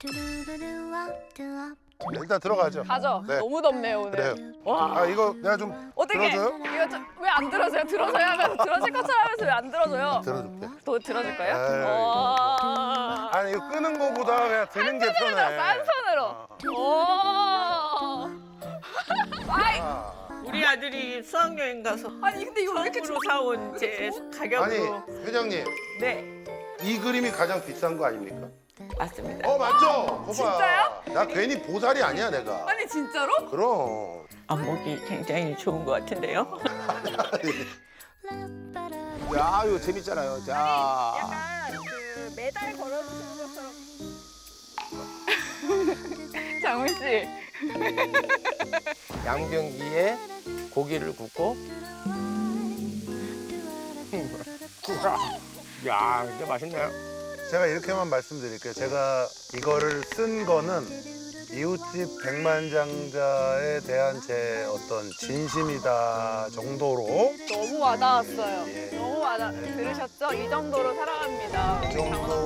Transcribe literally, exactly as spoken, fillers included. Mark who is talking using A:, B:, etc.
A: 일단 들어가죠.
B: 가죠.
A: 네.
B: 너무 덥네요 오늘.
A: 그래요.
B: 와.
A: 아 이거 내가 좀
B: 어떻게?
A: 들어줘요?
B: 이거 왜 안 들어줘요? 들어줘야 하면서 들어줄 것처럼 하면서 왜 안 들어줘요?
A: 들어줄게.
B: 또 들어줄 거예요?
A: 에이.
B: 와.
A: 아니 이거 끄는 거보다 그냥 드는 게 편해.
B: 한 손으로. 오. 아이.
A: 아.
C: 우리 아들이 수학여행 가서
B: 아니 근데 이거 왜 이렇게
C: 처음으로 사온 제
A: 아니
C: 가격으로.
A: 회장님
C: 네,
A: 이 그림이 가장 비싼 거 아닙니까?
C: 맞습니다.
A: 어 맞죠? 거봐.
B: 진짜요?
A: 나 괜히 보살이 아니야 내가.
B: 아니 진짜로?
A: 그럼.
C: 안목이 굉장히 좋은 것 같은데요.
D: 야, 이거 재밌잖아요. 자,
B: 약간 그 메달 걸어주는 것처럼. 장훈 씨.
D: 양변기에 고기를 굽고. 야, 진짜 맛있네요.
A: 제가 이렇게만 말씀드릴게요. 제가 이거를 쓴 거는 이웃집 백만장자에 대한 제 어떤 진심이다 정도로
B: 너무 와닿았어요.
A: 예.
B: 너무 와닿. 들으셨죠? 이 정도로 사랑합니다.
A: 이 정도로